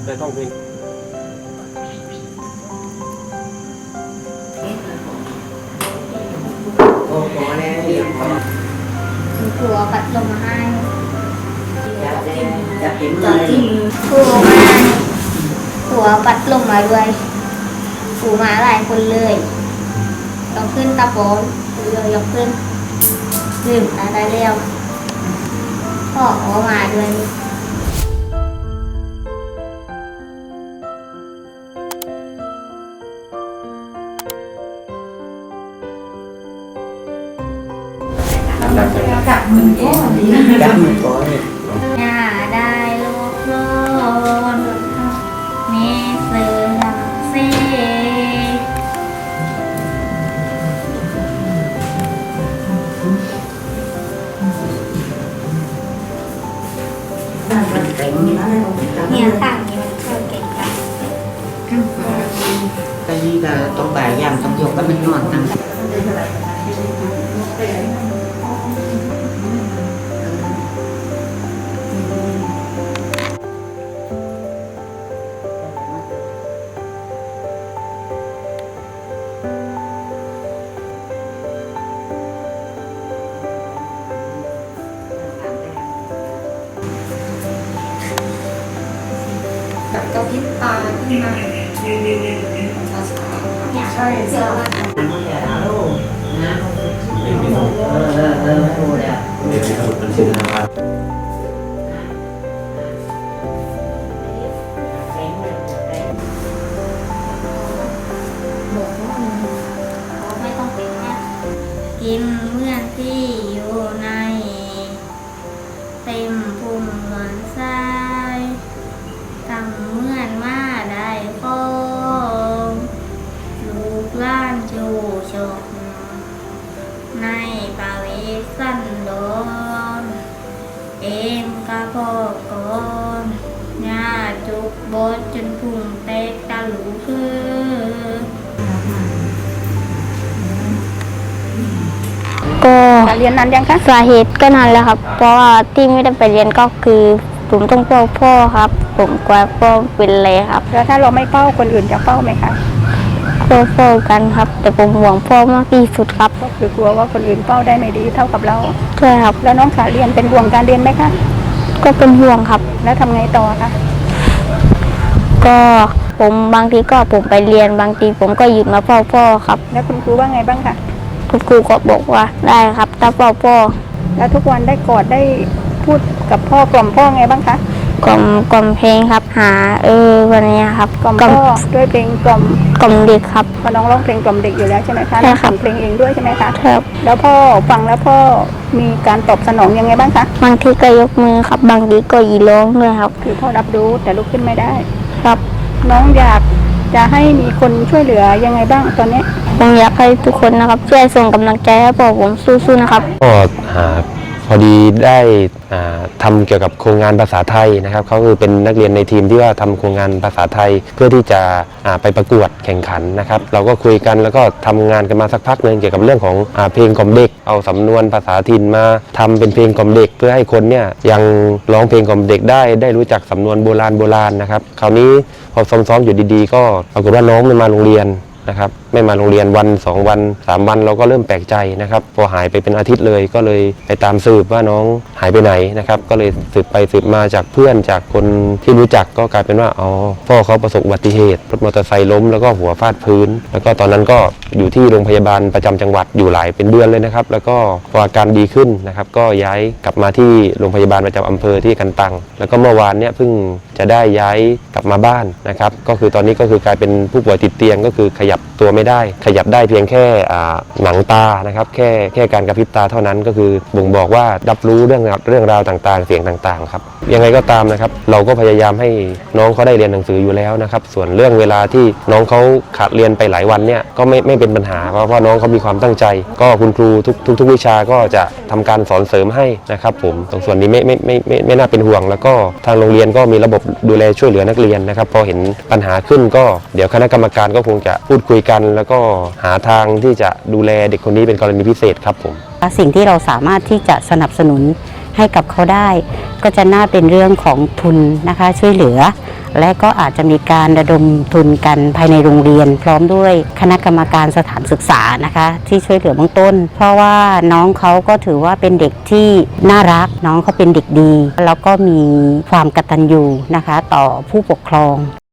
ได้ท่องเพลงผัวปัดลมมาให้จับจิ้มผัวมาผัวปัดลมมาด้วยผัวมาหลายคนเลยต้องขึ้นตาโป้เลยยกขึ้นลืมตาได้แล้วพ่อเขามาด้วยจับมือก่อนอย่าได้โลกร้อนแม่เสือลังเซ่เนี่ยต่างนี้มันเข้าเก่งกันก็นี่ก็ต้องบ่ายยามต้องยกก็มันนอนตั้งกระพริบตาขึ้นมาช้าๆใช่เสื้อว่ารู้แล้วมันชื่อนะครับไม่ต้องเป็นเนี่ยกินเมื่อนที่อยู่ในเต็มพุงเหมือนทรายตั้งเมื่อนมาได้ฟองลูกล้านจูชกในปาวิสันโดนเอ็มกะพอกก่อนญาจุกบดจนพุงเตกตะหลูคือก็เรียนนานยังคะสาเหตุก็นานแล้วครับเพราะว่าที่ไม่ได้ไปเรียนก็คือผมต้องเฝ้าพ่อครับผมกลัวพ่อเป็นอะไรครับแล้วถ้าเราไม่เฝ้าคนอื่นจะเฝ้าไหมคะก็เฝ้ากันครับแต่ผมห่วงพ่อมากที่สุดครับก็คือกลัวว่าคนอื่นเฝ้าได้ไม่ดีเท่ากับเราใช่ครับแล้วน้องสาเรียนเป็นห่วงการเรียนไหมคะก็เป็นห่วงครับแล้วทำไงต่อคะก็ผมบางทีก็ผมไปเรียนบางทีผมก็หยุดมาเฝ้าพ่อครับแล้วคุณครูว่าไงบ้างคะคุณครูก็บอกว่าได้ครับถ้าเฝ้าพ่อแล้วทุกวันได้กอดได้พูดกับพ่อกล่อมพ่อไงบ้างคะกล่อมเพลงครับหาวันนี้ครับกล่อมพ่อด้วยเพลงกล่อมเด็กครับพอน้องร้องเพลงกล่อมเด็กอยู่แล้วใช่ไหมคะใช่ครับเพลงเองด้วยใช่ไหมคะครับแล้วพ่อฟังแล้วพ่อมีการตอบสนองยังไงบ้างคะบางทีก็ยกมือครับบางทีก็ยีร้องด้วยครับคือพ่อรับรู้แต่ลุกขึ้นไม่ได้ครับน้องอยากจะให้มีคนช่วยเหลือยังไงบ้างตอนนี้ผมอยากให้ทุกคนนะครับช่วยส่งกำลังใจให้ผมสู้ๆนะครับก็พอดีได้ทำเกี่ยวกับโครงงานภาษาไทยนะครับเขาคือเป็นนักเรียนในทีมที่ว่าทำโครงงานภาษาไทยเพื่อที่จะไปประกวดแข่งขันนะครับเราก็คุยกันแล้วก็ทำงานกันมาสักพักนึงเกี่ยวกับเรื่องของเพลงกล่อมเด็กเอาสำนวนภาษาถิ่นมาทำเป็นเพลงกล่อมเด็กเพื่อให้คนเนี่ยยังร้องเพลงกล่อมเด็กได้รู้จักสำนวนโบราณนะครับคราวนี้พอซ้อมๆอยู่ดีๆก็ปรากฏว่าน้องไม่มาโรงเรียนนะครับไม่มาโรงเรียนวัน2วัน3วันเราก็เริ่มแปลกใจนะครับพอหายไปเป็นอาทิตย์เลยก็เลยไปตามสืบว่าน้องหายไปไหนนะครับก็เลยสืบไปสืบมาจากเพื่อนจากคนที่รู้จักก็กลายเป็นว่าพ่อเขาประสบอุบัติเหตุรถมอเตอร์ไซค์ล้มแล้วก็หัวฟาดพื้นแล้วก็ตอนนั้นก็อยู่ที่โรงพยาบาลประจำจังหวัดอยู่หลายเป็นเดือนเลยนะครับแล้วก็พออาการดีขึ้นนะครับก็ย้ายกลับมาที่โรงพยาบาลประจำอำเภอที่กันตังแล้วก็เมื่อวานเนี่ยเพิ่งจะได้ย้ายกลับมาบ้านนะครับก็คือตอนนี้ก็คือกลายเป็นผู้ป่วยติดเตียงก็คือขยับตัวไม่ได้ขยับได้เพียงแค่หนังตานะครับแค่การกระพริบตาเท่านั้นก็คือบ่งบอกว่ารับรู้เรื่องราวต่างๆเสียงต่างๆครับยังไงก็ตามนะครับเราก็พยายามให้น้องเขาได้เรียนหนังสืออยู่แล้วนะครับส่วนเรื่องเวลาที่น้องเขาขาดเรียนไปหลายวันเนี่ยก็ไม่เป็นปัญหาเพราะน้องเขามีความตั้งใจก็คุณครูทุกวิชาก็จะทำการสอนเสริมให้นะครับผมตรงส่วนนี้ไม่น่าเป็นห่วงแล้วก็ทางโรงเรียนก็มีระบบดูแลช่วยเหลือนักเรียนนะครับพอเห็นปัญหาขึ้นก็เดี๋ยวคณะกรรมการก็คงจะพูดคุยกันแล้วก็หาทางที่จะดูแลเด็กคนนี้เป็นกรณีพิเศษครับผมสิ่งที่เราสามารถที่จะสนับสนุนให้กับเขาได้ก็จะน่าเป็นเรื่องของทุนนะคะช่วยเหลือและก็อาจจะมีการระดมทุนกันภายในโรงเรียน พร้อมด้วยคณะกรรมการสถานศึกษานะคะที่ช่วยเหลือเบื้องต้น เพราะว่าน้องเขาก็ถือว่าเป็นเด็กที่น่ารักน้องเขาเป็นเด็กดีแล้วก็มีความกตัญญูนะคะต่อผู้ปกครอง